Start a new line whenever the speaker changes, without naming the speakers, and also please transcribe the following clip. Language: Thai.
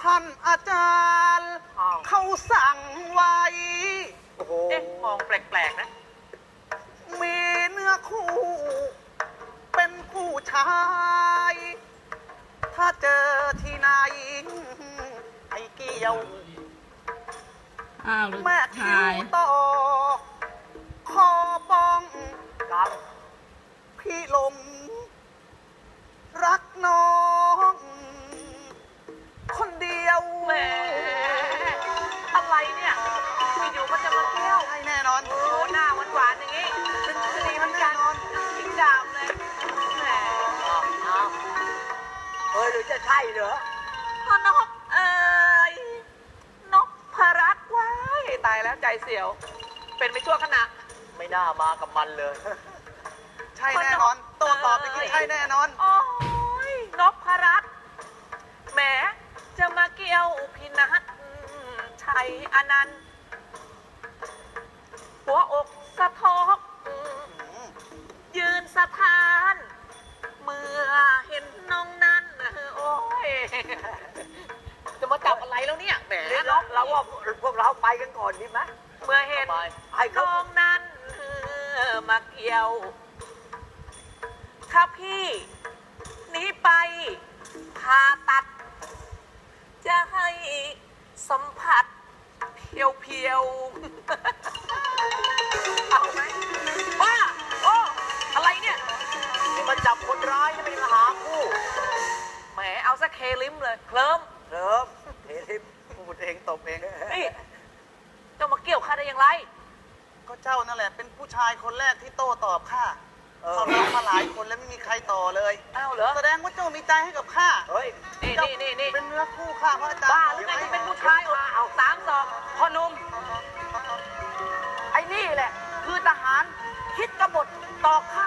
ท่านอาจารย์เขาสั่งไว้โอ้โห
เอ๊ะมองแปลกๆนะ
มีเนื้อคู่เป็นผู้ชาย ถ้าเจอที่ไหนให้เกี่ยว
อ้าว
แม่คิ
ถ่า
วย ต่อคอป้องกับพี่หลงรักน้องคนเดียว
แหมอะไรเนี่ยอยู่ๆก็จะมาเที่ยว
ให้แน่นอน
โอ้โหหน้าหวานๆอย่างนี้เป็นคดีเหมือนกันทิ้งดาบเลยแหม
เฮ้ยหรือจะใช่เหรอ
พ่อนกนกพรัตน์ว้ายตายแล้วใจเสียว เป็นไปชั่วขณะ
ไม่น่ามากับมันเลย
ใช่แน่นอน โตตอบไปกี้ใช่แน่นอน
โอ้ยนกพรัตน์แหมจะมาเกี่ยวพินัทชัยอนันต์หัวอกสะทกยืนสะท้าน เมื่อเห็นน้องนั้นโอ้ยจะมาจับอะไรแล้วเนี่ยแหม
นี่
นก
เราว่าพวกเราไปกันก่อนดีไหม
เมื่อเห็น
ให้เขา
น้องนั้นมาเกี่ยว ถ้าพี่หนีไปผ่าตัด จะให้สัมผัสเพียวๆ เอาไหมว่าโอ้อะไรเนี่ย
ที่มาจับคนร้ายนี่ไม่ได้มาหาคู่
แหมเอาซะเคลิมเลยเคลิ้ม
เริ่มเททิม
พูดเองตบเอง
นี่จะมาเกี่ยวข้าได้อย่างไร
ก็เจ้านั่นแหละเป็นผู้ชายคนแรกที่โต้ตอบข้าเขาเล่ามาหลายคนแล้วไม่มีใครต่อเลย
อ้าวเหรอ
แสดงว่าเจ้ามีใจให้กับข้า
เฮ้ย
นี่
เจ้า
นี่
เป็นเนื้อคู่ข้าพระอาจารย์
บ้าหรือไงที่เป็นผู้ชายเอา3-2พ่อหนุ่มไอ้นี่แหละ คือทหารคิดกบฏต่อข้า